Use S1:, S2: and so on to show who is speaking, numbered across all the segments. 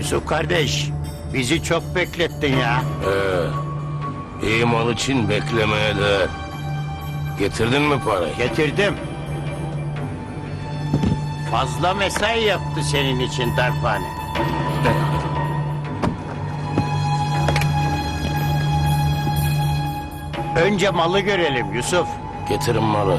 S1: Yusuf kardeş, bizi çok beklettin ya.
S2: İyi mal için beklemeye değer. Getirdin mi parayı?
S1: Getirdim. Fazla mesai yaptı senin için darphane. Önce malı görelim Yusuf.
S2: Getirin malı.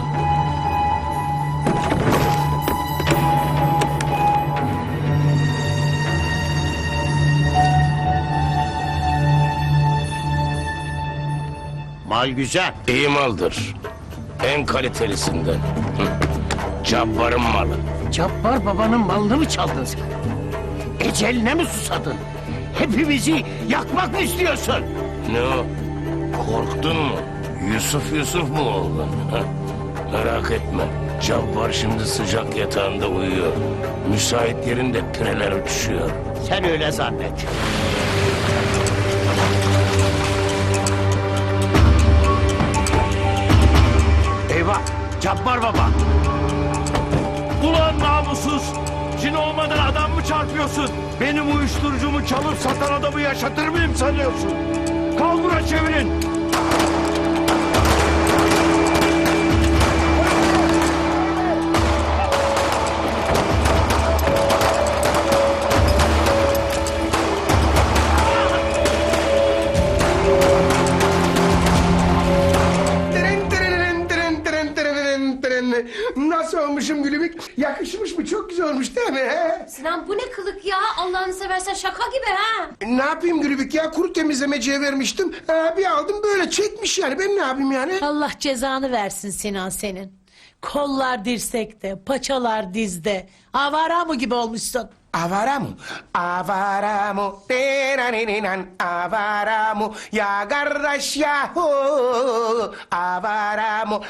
S1: Mal güzel.
S2: İyi maldır. En kalitelisinden. Hı. Cabbarın malı.
S1: Cabbar babanın malını mı çaldın sen? Eceline mi susadın? Hepimizi yakmak mı istiyorsun?
S2: Ne o? Korktun mu? Yusuf mu oldun? Ha? Merak etme. Cabbar şimdi sıcak yatağında uyuyor. Müsait yerinde pireler uçuşuyor.
S1: Sen öyle zannet. Eyvah! Cabbar baba!
S3: Ulan namussuz! Cin olmadan adam mı çarpıyorsun? Benim uyuşturucumu çalıp satan adamı yaşatır mıyım sanıyorsun? Kalbura çevirin!
S4: Nasıl olmuşum Gülübük? Yakışmış mı? Çok güzel olmuş değil mi? He?
S5: Sinan bu ne kılık ya? Allah'ını seversen şaka gibi ha.
S4: Ne yapayım Gülübük ya? Kuru temizlemeciye vermiştim. Bir aldım böyle çekmiş yani. Ben ne yapayım yani?
S6: Allah cezanı versin Sinan senin. Kollar dirsekte, paçalar dizde. Avara mı gibi olmuşsun?
S4: Avara mı? Avara mı? Denanininan avara mı? Ya kardeş yahu avara mı?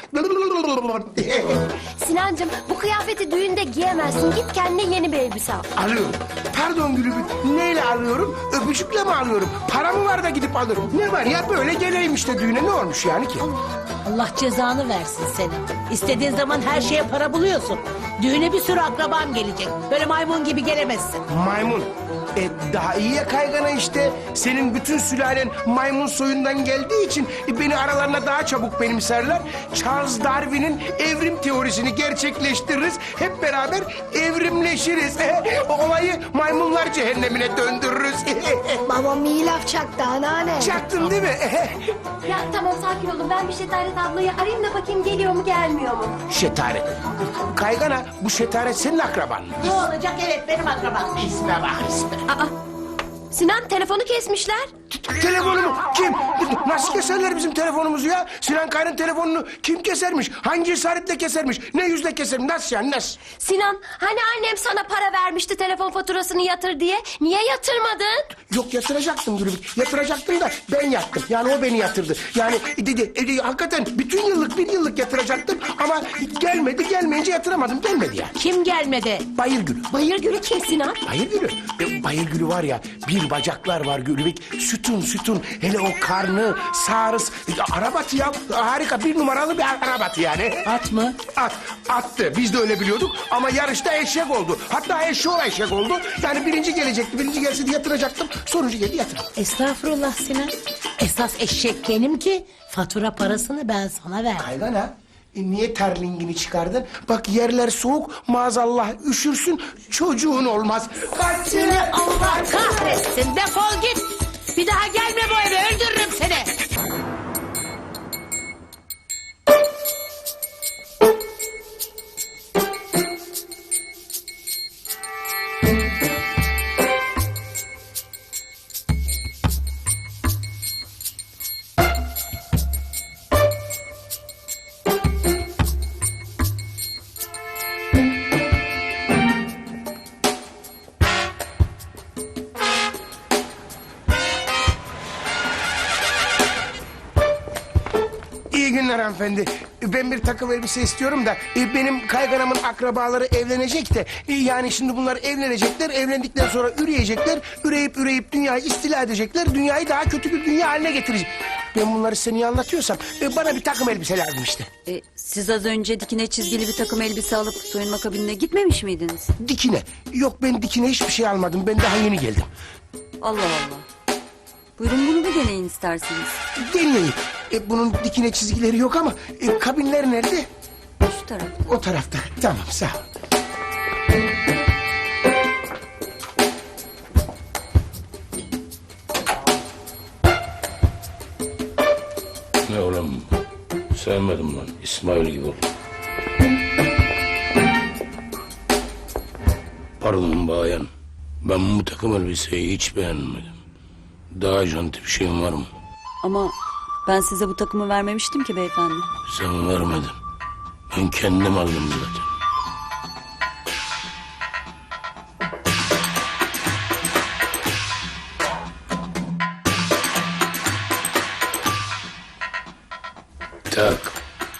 S5: Sinancığım bu kıyafeti düğünde giyemezsin. Git kendine yeni bir elbise al.
S4: Alıyorum. Pardon Gülübük. Neyle alıyorum? Öpücükle mi alıyorum? Para mı var da gidip alırım? Ne var ya böyle geleyim işte düğüne ne olmuş yani ki?
S6: Allah cezanı versin senin. İstediğin zaman her şeye para buluyorsun. Düğüne bir sürü akraban gelecek. Böyle maymun gibi gelemezsin.
S4: Maymun. Daha iyi ya kaygana işte. Senin bütün sülalen maymun soyundan geldiği için beni aralarına daha çabuk benimserler. Charles Darwin'in evrim teorisini gerçekleştiririz. Hep beraber evrimleşiriz. O olayı maymunlar cehennemine döndürürüz.
S5: Babam iyi laf çaktı anneanne.
S4: Çaktın değil mi?
S5: Ya tamam sakin olun. Ben bir Şetaret ablayı arayayım da bakayım geliyor mu gelmiyor mu?
S4: Şetaret. Kaygana bu şetaret senin akraban mı?
S6: Ne olacak? Evet benim akrabam.
S4: İsme bak isme.
S5: Aa, Sinan telefonu kesmişler.
S4: Telefonumu kim? Nasıl keserler bizim telefonumuzu ya? Sinan Kaya'nın telefonunu kim kesermiş? Hangi cesaretle kesermiş? Ne yüzle kesermiş? Nasıl yani nasıl?
S5: Sinan hani annem sana para vermişti telefon faturasını yatır diye. Niye yatırmadın?
S4: Yok yatıracaktım Gülübük. Yatıracaktım da ben yattım. Yani o beni yatırdı. Yani hakikaten bütün yıllık bir yıllık yatıracaktım ama gelmeyince yatıramadım. Gelmedi yani.
S6: Kim gelmedi?
S4: Bayırgül.
S5: Bayırgül'ü kim Sinan?
S4: Bayırgül'ü. Bayırgül'ü var ya bir bacaklar var Gülübük. Sütun. Hele o karnı, sağrıs. Arabatı ya. Harika bir numaralı bir arabatı yani.
S6: At mı?
S4: Attı. Biz de öyle biliyorduk ama yarışta eşek oldu. Hatta eşek oldu. Yani birinci gelecekti. Birinci gelse de yatıracaktım. Sonuncu geldi yatırdım.
S6: Estağfurullah Sinan. Esas eşek benim ki fatura parasını ben sana ver.
S4: Kaygana. Niye terlingini çıkardın? Bak yerler soğuk maazallah üşürsün çocuğun olmaz. Kaç
S6: Seni Allah kahretsin defol git. Bir daha gelme bu eve öldürürüm seni.
S4: İyi günler hanımefendi. Ben bir takım elbise istiyorum da benim kayganamın akrabaları evlenecek de yani şimdi bunlar evlenecekler. Evlendikten sonra üreyecekler. Üreyip dünyayı istila edecekler. Dünyayı daha kötü bir dünya haline getirecek. Ben bunları size niye anlatıyorsam bana bir takım elbise lazım işte.
S7: Siz az önce dikine çizgili bir takım elbise alıp soyunma kabinine gitmemiş miydiniz?
S4: Dikine. Yok ben dikine hiçbir şey almadım. Ben daha yeni geldim.
S7: Allah Allah. Buyurun bunu bir deneyin isterseniz.
S4: Deneyeyim. Bunun dikine çizgileri yok ama kabinler nerede?
S7: Şu taraf.
S4: O tarafta. Tamam sağ ol.
S2: Ne oğlum? Sevmedim lan. İsmail gibi ol. Pardon bayan. Ben bu takım elbiseyi hiç beğenmedim. Daha janti bir şeyin var mı?
S7: Ama ben size bu takımı vermemiştim ki beyefendi.
S2: Sen vermedin. Ben kendim aldım zaten. Tak.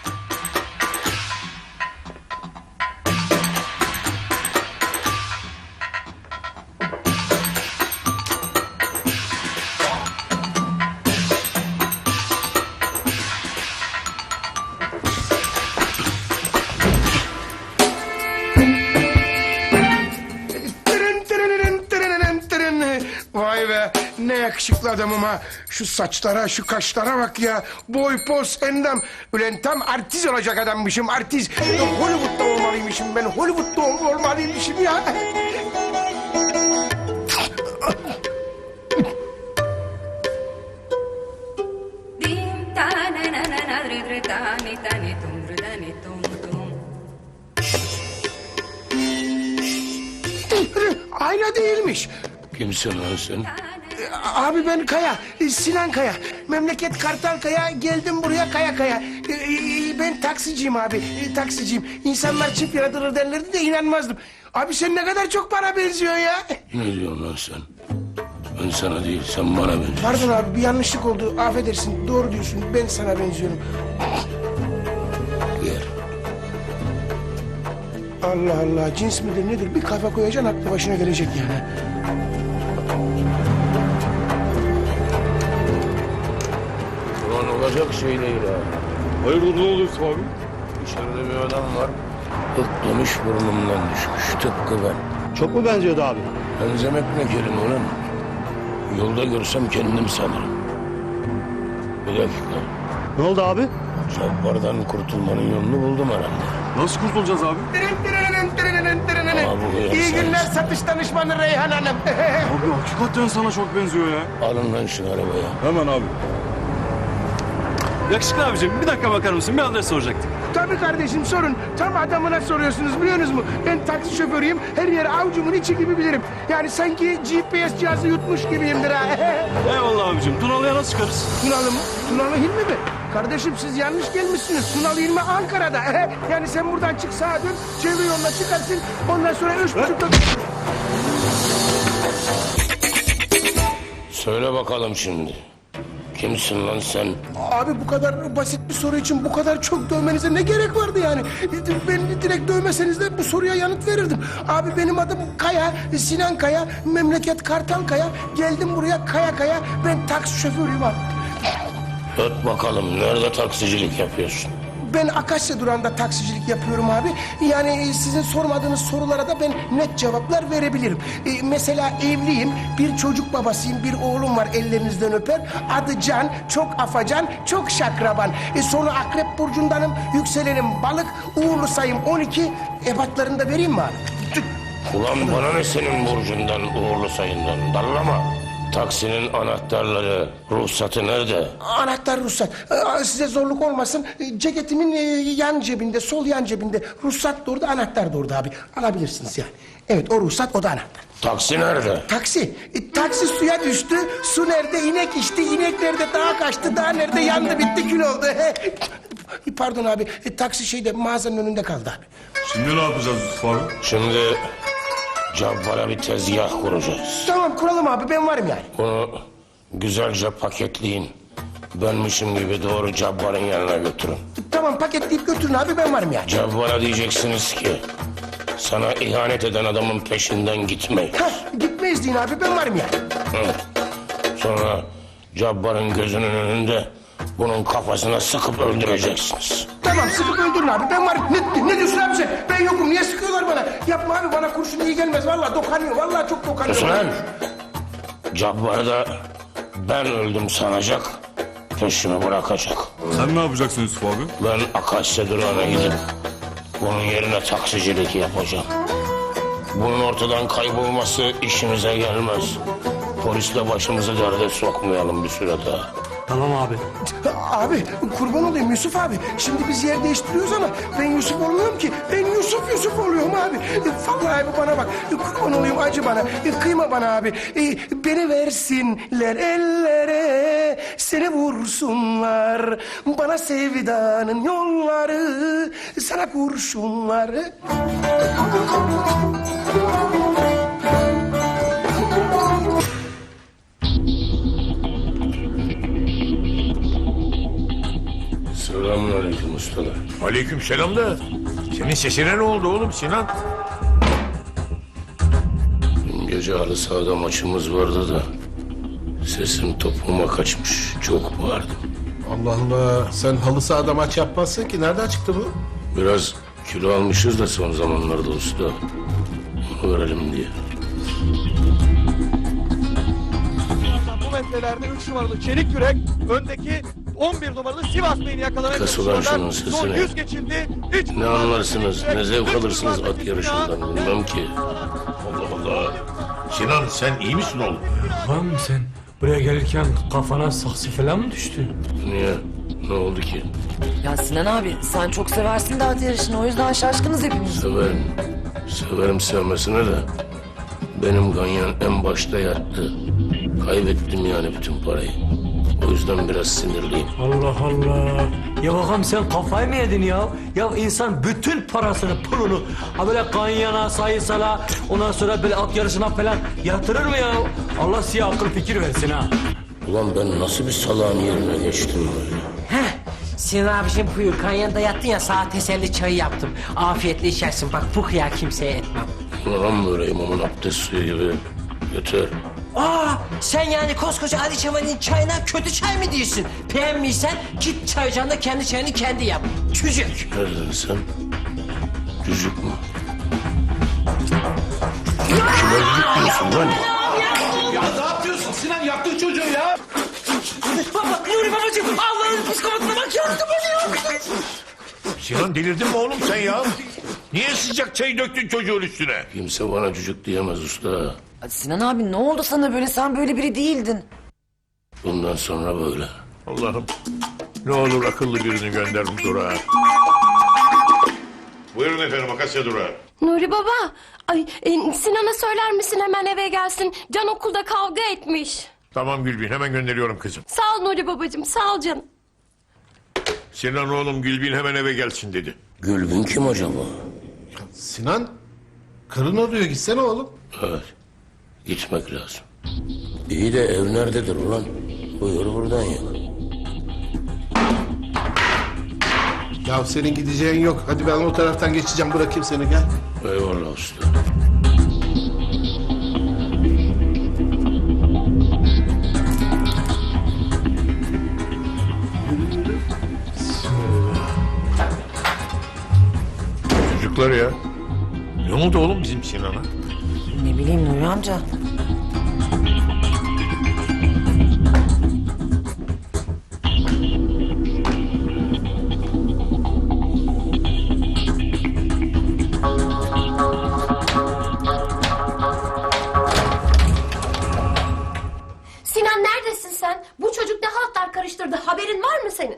S4: Tırın tırınırın tırınırın tırın. Vay be ne yakışıklı adamım ha. Şu saçlara şu kaşlara bak ya. Boy poz endam. Ulan tam artist olacak adammışım artist. Hollywood'da olmalıymışım ben. Hollywood'da olmalıymışım ya.
S8: Dim ta na na na na dre dre ta ni tum dre da ni tum tum.
S4: Ayna değilmiş.
S2: Kimsin lan sen?
S4: Abi ben Kaya, Sinan Kaya. Memleket Kartal Kaya, geldim buraya Kaya Kaya. Ben taksiciyim abi, taksiciyim. İnsanlar çift yaratılır derlerdi de inanmazdım. Abi sen ne kadar çok bana benziyorsun ya.
S2: Ne diyorsun lan sen? Ben sana değil, sen bana benziyorsun.
S4: Pardon abi bir yanlışlık oldu, affedersin. Doğru diyorsun, ben sana benziyorum.
S2: Gel.
S4: Allah Allah, cins midir nedir? Bir kafa koyacaksın, aklı başına gelecek yani.
S2: Ulan olacak şey değil ha.
S3: Hayırdır ne oluyorsun abi?
S2: Dışarıda bir adam var. Tıklamış burnumdan düşmüş, tıpkı ben.
S3: Çok mu benziyordu abi?
S2: Benzemek ne kelime ulan? Yolda görsem kendim sanırım. Bir dakika.
S3: Ne oldu abi?
S2: Cabbardan kurtulmanın yolunu buldum herhalde.
S3: Nasıl kurtulacağız abi?
S2: Ama bu hıyar
S4: İyi
S2: sensin.
S4: günler satış danışmanı Reyhan Hanım.
S3: Abi hakikaten sana çok benziyor ya.
S2: Alın lan şu arabaya.
S3: Hemen abi. Yakışıklı abicim bir dakika bakar mısın? Bir adres soracaktım.
S4: Tabii kardeşim sorun. Tam adamına soruyorsunuz biliyorsunuz mu? Ben taksi şoförüyüm. Her yeri avucumun içi gibi bilirim. Yani sanki GPS cihazı yutmuş gibiyimdir ha.
S3: Eyvallah abicim. Tunalı'ya nasıl çıkarız?
S4: Tunalı mı? Tunalı Hilmi mi? Kardeşim siz yanlış gelmişsiniz. Tunalı Hilmi Ankara'da. Yani sen buradan çık sağa dön. Çevre yoluna çıkarsın. Ondan sonra 3.30'da...
S2: Söyle bakalım şimdi. Kimsin lan sen?
S4: Abi bu kadar basit bir soru için bu kadar çok dövmenize ne gerek vardı yani? Beni direkt dövmeseniz de bu soruya yanıt verirdim. Abi benim adım Kaya, Sinan Kaya, memleket Kartal Kaya. Geldim buraya Kaya Kaya. Ben taksi şoförüyüm abi.
S2: Öt bakalım nerede taksicilik yapıyorsun?
S4: Ben Akasya durağında taksicilik yapıyorum abi. Yani sizin sormadığınız sorulara da ben net cevaplar verebilirim. Mesela evliyim, bir çocuk babasıyım, bir oğlum var ellerinizden öper. Adı Can, çok afacan, çok şakraban. Sonu Akrep Burcu'ndanım, yükselenim balık, uğurlu sayım 12. Ebatlarını da vereyim mi abi?
S2: Ulan bana ne senin burcundan, uğurlu sayından? Dallama. Taksinin anahtarları, ruhsatı nerede?
S4: Anahtar ruhsat. Size zorluk olmasın. Ceketimin yan cebinde, sol yan cebinde. Ruhsat da orada, anahtar da orada abi. Alabilirsiniz yani. Evet o ruhsat, o da anahtar.
S2: Taksi nerede?
S4: Taksi. Taksi suya düştü. Su nerede? İnek içti. İnek nerede? Dağa kaçtı. Dağ nerede? Yandı bitti kül oldu. Pardon abi. Taksi şeyde mağazanın önünde kaldı abi.
S3: Şimdi ne yapacağız Yusuf abi?
S2: Şimdi Cabbar'a bir tezgah kuracağız.
S4: Tamam kuralım abi, ben varım yani.
S2: Bunu güzelce paketleyin. Benmişim gibi doğru Cabbar'ın yanına götürün.
S4: Tamam paketleyip götürün abi, ben varım yani.
S2: Cabbar'a diyeceksiniz ki sana ihanet eden adamın peşinden gitmeyin.
S4: Hah, gitmeyiz deyin abi, ben varım yani.
S2: Hı. Sonra Cabbar'ın gözünün önünde Bunun kafasına sıkıp öldüreceksiniz.
S4: Tamam sıkıp öldürün abi. Ben varım. Ne diyorsun abi sen? Ben yokum. Niye sıkıyorlar bana? Yapma abi, bana kurşun iyi gelmez. Vallahi dokanıyor. Vallahi çok dokanıyor.
S2: Sus lan! Cabbar'ı da ben öldüm sanacak, peşimi bırakacak.
S9: Sen ne yapacaksın Yusuf abi?
S2: Ben Akasya durağına gidip bunun yerine taksicilik yapacağım. Bunun ortadan kaybolması işimize gelmez. Polisle başımızı derde sokmayalım bir süre daha.
S3: Tamam abi.
S4: Abi kurban olayım Yusuf abi. Şimdi biz yer değiştiriyoruz ama ben Yusuf olmuyorum ki. Ben Yusuf oluyorum abi. Vallahi abi bana bak. Kurban olayım, acı bana. Kıyma bana abi. Beni versinler ellere. Seni vursunlar. Bana sevdanın yolları. Sana kurşunları.
S2: Selamünaleyküm ustalar.
S3: Aleykümselam da. Senin sesine ne oldu oğlum Sinan?
S2: Dün gece halı sahada maçımız vardı da sesim topuğuma kaçmış. Çok bağırdım.
S10: Allah Allah, sen halı sahada maç yapmazsın ki. Nereden çıktı bu?
S2: Biraz kilo almışız da son zamanlarda usta. Onu verelim diye.
S11: Bu metrelerde 3 numaralı Çelik Yürek öndeki 11 numaralı Sivas Bey'ini yakalamaya
S2: Kası ulan şunun
S11: Son
S2: sesine.
S11: 100 geçildi. Hiç
S2: Ne anlarsınız, ne zevk alırsınız at yarışından bilmem ki.
S3: Allah Allah. Sinan sen iyi misin oğlum?
S12: Lan sen buraya gelirken kafana saksı falan mı düştü?
S2: Niye? Ne oldu ki?
S7: Ya Sinan abi sen çok seversin de at yarışını o yüzden şaşkınız hepimiz.
S2: Severim. Severim sevmesine de. Benim ganyan en başta yattı. Kaybettim yani bütün parayı. O yüzden biraz sinirliyim.
S12: Allah Allah. Ya bakalım sen kafayı mı yedin ya? Ya insan bütün parasını, pulunu ha böyle kanyana, sayısala, ondan sonra böyle at yarışına falan yatırır mı ya? Allah size akıl fikir versin ha.
S2: Ulan ben nasıl bir salağın yerine geçtim böyle?
S13: Sinan abiciğim buyur. Kanyanda yattın ya, sana teselli çayı yaptım. Afiyetle içersin. Bak bu hıyar kimseye etmem.
S2: Ulan böyle imamın abdest suyu gibi. Götür.
S13: Sen yani koskoca Ali Çaman'ın çayına kötü çay mı diyorsun? Beğenmiysen git çay ocağında kendi çayını kendi yap. Çocuk.
S2: Ne dedin sen? Cücük mü? Kime cücük diyorsun lan?
S3: Ya ne yapıyorsun Sinan? Yaptın çocuğu ya.
S13: Baba, Nuri babacığım, Allah'ın psikopatına bak, yardım ediyor.
S3: Sinan delirdin mi oğlum sen ya? Niye sıcak çay döktün çocuğun üstüne?
S2: Kimse bana cücük diyemez usta.
S7: Sinan abi ne oldu sana böyle sen böyle biri değildin.
S2: Bundan sonra böyle.
S3: Allah'ım ne olur akıllı birini gönder bu durağa. Buyurun efendim Akasya durağı.
S5: Nuri baba. Ay Sinan'a söyler misin hemen eve gelsin? Can okulda kavga etmiş.
S3: Tamam Gülbin hemen gönderiyorum kızım.
S5: Sağ ol Nuri babacığım, sağ ol canım.
S3: Sinan oğlum Gülbin hemen eve gelsin dedi.
S2: Gülbin kim acaba?
S10: Sinan, karın arıyor. Gitsene oğlum.
S2: Evet. Gitmek lazım. İyi de ev nerededir ulan? Buyur buradan ya.
S10: Ya senin gideceğin yok. Hadi ben o taraftan geçeceğim. Bırakayım seni, gel.
S2: Eyvallah usta.
S3: Çocuklar ya. Ne oldu oğlum bizim Sinan'a?
S7: Ne bileyim Nuri amca.
S5: Sinan neredesin sen? Bu çocuk ne haltlar karıştırdı, haberin var mı senin?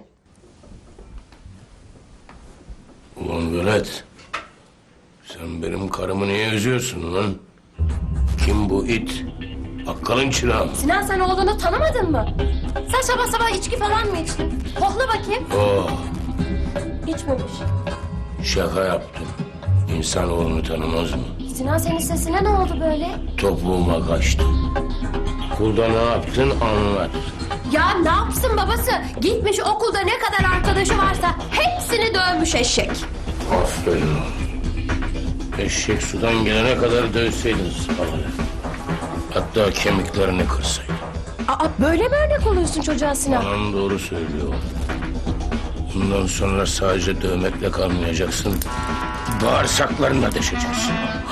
S2: Ulan velet. Sen benim karımı niye üzüyorsun lan? Kim bu it? Bakkalın çırağı mı?
S5: Sinan sen oğlunu tanımadın mı? Sen sabah sabah içki falan mı içtin? Kokla bakayım.
S2: Oh,
S5: İçmemiş.
S2: şaka yaptım. İnsanoğlunu tanımaz mı?
S5: Sinan senin sesine ne oldu böyle?
S2: Topuğuma kaçtı. Okulda ne yaptın anlat.
S5: Ya ne yapsın babası? Gitmiş okulda ne kadar arkadaşı varsa hepsini dövmüş eşek.
S2: Aferin oğlum. Eşek sudan gelene kadar dövseydin sıpaları. Hatta kemiklerini kırsaydın.
S5: Aa, böyle mi örnek oluyorsun çocuğa Sinan?
S2: Anan doğru söylüyor. Bundan sonra sadece dövmekle kalmayacaksın. Bağırsaklarına deşeceksin.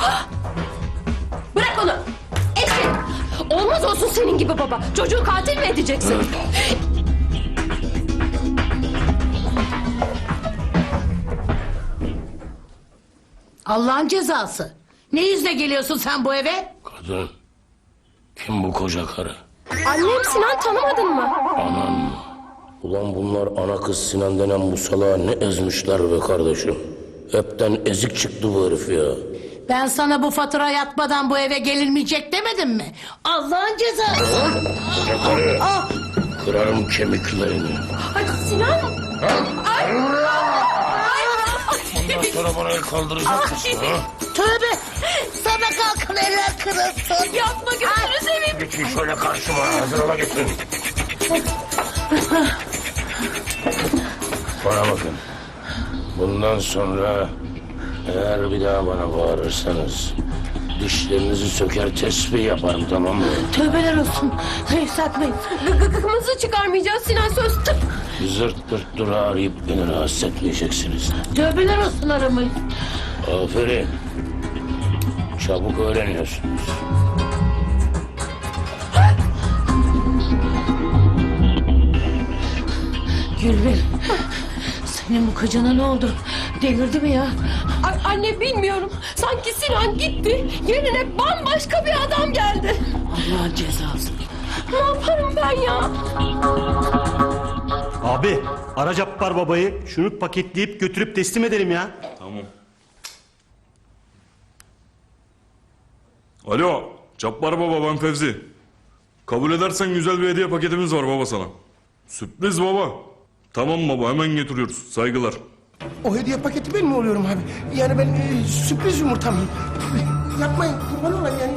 S5: Bırak onu. Etkin. Olmaz olsun senin gibi baba. Çocuğu katil mi edeceksin?
S6: Allah'ın cezası. Ne yüzle geliyorsun sen bu eve?
S2: Kadın, kim bu koca karı?
S5: Annem Sinan, tanımadın mı?
S2: Anan mı? Ulan bunlar ana kız Sinan denen bu salağı ne ezmişler be kardeşim. Hepten ezik çıktı bu herif ya.
S6: Ben sana bu fatura yatmadan bu eve gelinmeyecek demedim mi? Allah'ın cezası.
S2: Koca karı, kırarım kemiklerini.
S5: Ay Sinan.
S2: Ondan sonra bana el kaldıracak mısın ha?
S6: Tövbe. Sana kalkın eller kırılsın.
S5: Yapma, gözünü seveyim.
S2: Geçin şöyle karşıma, hazır ola getirin. Bana bakın. Bundan sonra eğer bir daha bana bağırırsanız dişlerinizi söker tesbih yaparım, tamam mı?
S6: Tövbeler olsun. Hayır satmayın.
S5: Gıkımızı çıkarmayacağız Sinan, söz. Tıp.
S2: Zırt pırt dura arayıp beni rahatsız etmeyeceksiniz.
S6: Tövbeler olsun aramayın.
S2: Aferin. Çabuk öğreniyorsunuz.
S6: Gülbin. Senin bu kocana ne oldu? Delirdi mi ya?
S5: Anne bilmiyorum. Sanki Sinan gitti. Yerine bambaşka bir adam geldi.
S6: Allah'ın cezası.
S5: Ne yaparım ben ya?
S3: Abi ara Cabbar babayı şunu paketleyip götürüp teslim edelim ya.
S9: Tamam. Alo, Cabbar baba, ben Fevzi. Kabul edersen güzel bir hediye paketimiz var baba sana. Sürpriz baba. Tamam baba, hemen getiriyoruz. Saygılar.
S4: O hediye paketi ben mi oluyorum abi? Yani ben sürpriz yumurta mıyım? Yapmayın, kurban olayım yani.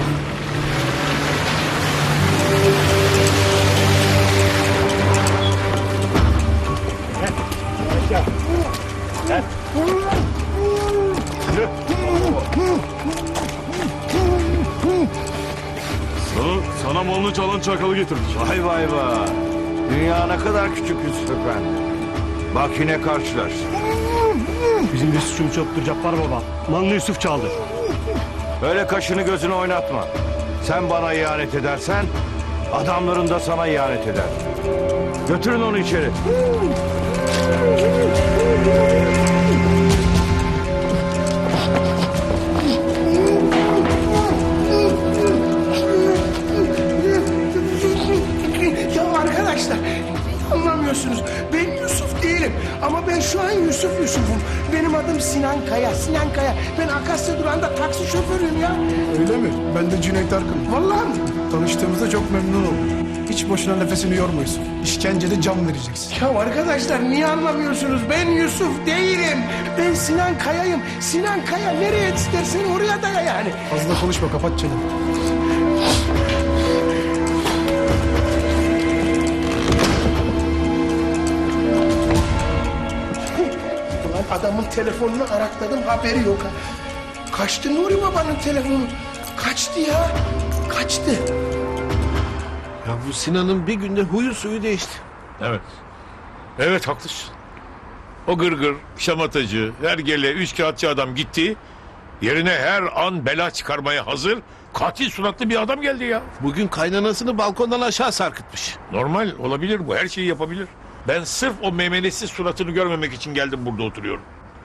S9: Sana malını çalan çakalı getirdik.
S3: Vay vay vay. Dünya ne kadar küçük Yusuf Efendi. Bak yine karşılar. Bizim bir suçumuz yoktur Cabbar baba. Malını Yusuf çaldı. Öyle kaşını gözünü oynatma. Sen bana ihanet edersen adamların da sana ihanet eder. Götürün onu içeri.
S4: Ya arkadaşlar, anlamıyorsunuz. Ben Yusuf değilim. Ama ben şu an Yusuf'um. Benim adım Sinan Kaya. Ben Akasya durağında taksi şoförüyüm ya.
S10: Öyle mi? Ben de Cüneyt Arkın.
S4: Vallahi mi?
S10: Tanıştığımızda çok memnun oldum. Hiç boşuna nefesini yormuyorsun. İşkencede can vereceksin.
S4: Ya arkadaşlar niye anlamıyorsunuz? Ben Yusuf değilim. Ben Sinan Kaya'yım. Sinan Kaya nereye istersen oraya daya yani.
S10: Fazla konuşma, kapat çeneni.
S4: Ulan adamın telefonunu arakladım, haberi yok ha. Kaçtı Nuri Baba'nın telefonu. Kaçtı ya. Kaçtı.
S3: Ya bu Sinan'ın bir günde huyu suyu değişti.
S14: Evet. Evet, haklısın. O gırgır, şamatacı, hergele, üçkağıtçı adam gitti. Yerine her an bela çıkarmaya hazır, katil suratlı bir adam geldi ya.
S3: Bugün kaynanasını balkondan aşağı sarkıtmış.
S14: Normal, olabilir bu, her şeyi yapabilir. Ben sırf o memelesiz suratını görmemek için geldim, burada oturuyorum.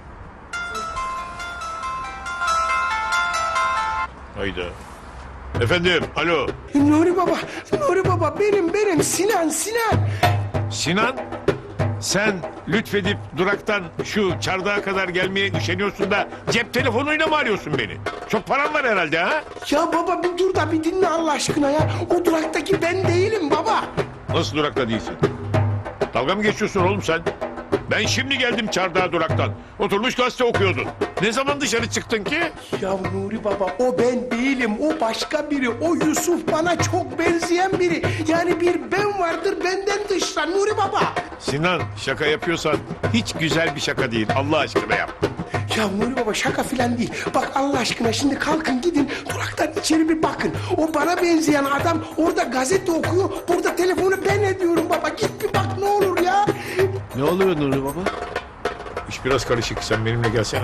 S14: Hayda. Efendim, alo.
S4: Nuri Baba benim Sinan.
S14: Sinan, sen lütfedip duraktan şu çardağa kadar gelmeye üşeniyorsun da cep telefonuyla mı arıyorsun beni? Çok paran var herhalde ha?
S4: Ya baba bir dur da bir dinle Allah aşkına ya. O duraktaki ben değilim baba.
S14: Nasıl durakta değilsin? Dalga mı geçiyorsun oğlum sen? Ben şimdi geldim Çardağ duraktan. Oturmuş gazete okuyordun. Ne zaman dışarı çıktın ki?
S4: Ya Nuri Baba o ben değilim, o başka biri. O Yusuf bana çok benzeyen biri. Yani bir ben vardır benden dışlar Nuri Baba.
S14: Sinan şaka yapıyorsan hiç güzel bir şaka değil. Allah aşkına yap.
S4: Ya Nuri Baba şaka filan değil. Bak Allah aşkına şimdi kalkın gidin duraktan içeri bir bakın. O bana benzeyen adam orada gazete okuyor. Burada telefonu ben ediyorum baba. Git bir bak ne olur ya.
S10: Ne oluyor Nuri Baba?
S14: İş biraz karışık. Sen benimle gelsene.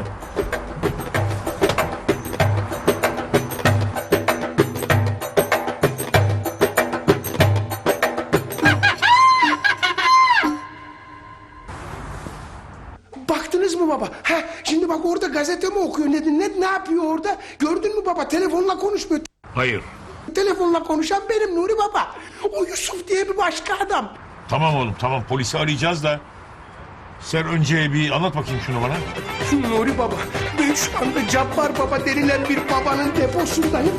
S4: Baktınız mı baba? Ha, şimdi bak orada gazete mi okuyor? Ne yapıyor orada? Gördün mü baba? Telefonla konuşmuyor.
S14: Hayır.
S4: Telefonla konuşan benim Nuri Baba. O Yusuf diye bir başka adam.
S14: Tamam oğlum tamam polisi arayacağız da. Sen önce bir anlat bakayım şunu bana.
S4: Nuri Baba, ben şu anda Cabbar Baba denilen bir babanın deposundayım.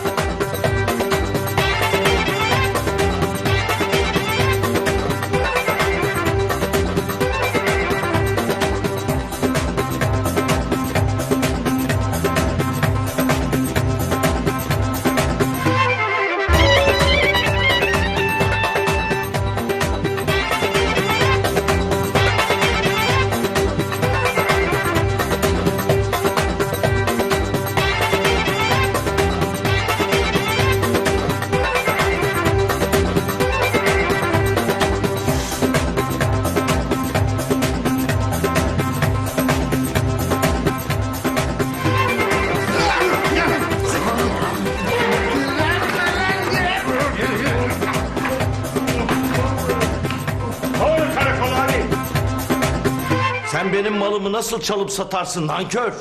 S12: Sen benim malımı nasıl çalıp satarsın nankör?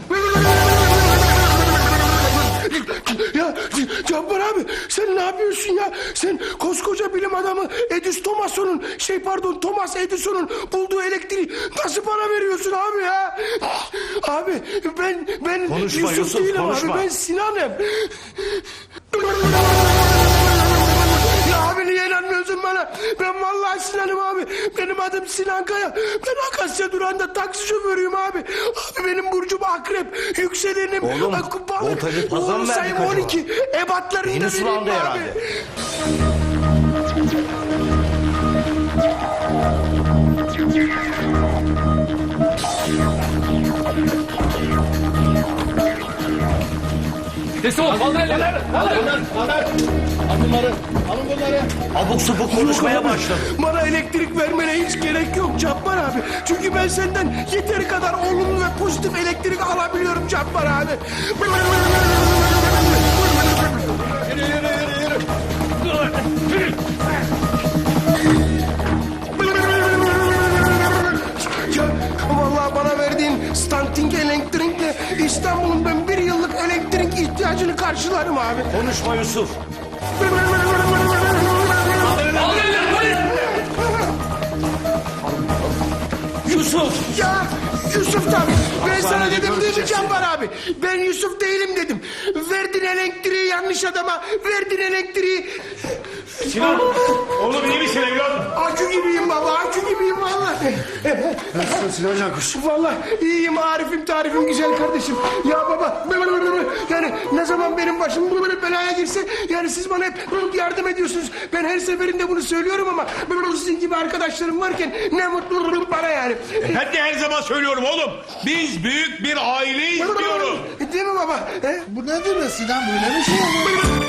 S4: Ya Cabbar abi sen ne yapıyorsun ya? Sen koskoca bilim adamı Thomas Edison'un bulduğu elektriği nasıl bana veriyorsun abi ya? Abi ben
S12: Konuşma Yusuf,
S4: değilim
S12: konuşma.
S4: abi ben Sinan'ım. Ya abi niye inanmıyorsun bana? Ben vallahi Sinan'ım abi. Benim adım Sinan Kaya. Ben Akasya Duran'da taksi şoförüyüm abi. Abi benim burcum akrep. Yükselenim.
S12: Oğlum, voltajı fazla mı verdik acaba?
S4: 12. Ebatlarını da
S12: Yeni
S4: vereyim
S12: sulandı
S4: abi.
S12: herhalde. Abuk subuk konuşmaya başladı.
S4: Bana elektrik vermene hiç gerek yok Cabbar abi. Çünkü ben senden yeteri kadar olumlu ve pozitif elektrik alabiliyorum Cabbar abi. Ya vallahi bana verdiğin standing elektrikle İstanbul'un ben bir yıllık elektrik ihtiyacını karşılarım abi.
S12: Konuşma Yusuf. Yusuf!
S4: Ya Yusuf tabii. Ben sana dedim değil mi Cabbar abi? Ben Yusuf değilim dedim. Verdin elektriği yanlış adama. Verdin elektriği.
S14: Sinan oğlum iyi misin evladım?
S4: Akü gibiyim baba. Akü gibiyim vallahi.
S3: Nasılsın Sinan Cankuş?
S4: Vallahi iyiyim Arif'im tarifim güzel kardeşim. Ya baba yani ne zaman benim başım belaya girse yani siz bana hep yardım ediyorsunuz. Ben her seferinde bunu söylüyorum ama sizin gibi arkadaşlarım varken ne mutlu bana yani.
S14: Ben de her zaman söylüyorum oğlum. Biz büyük bir aileyiz diyorum.
S4: Değil mi baba?
S10: Bu nedir be Sinan böyle bir şey olur?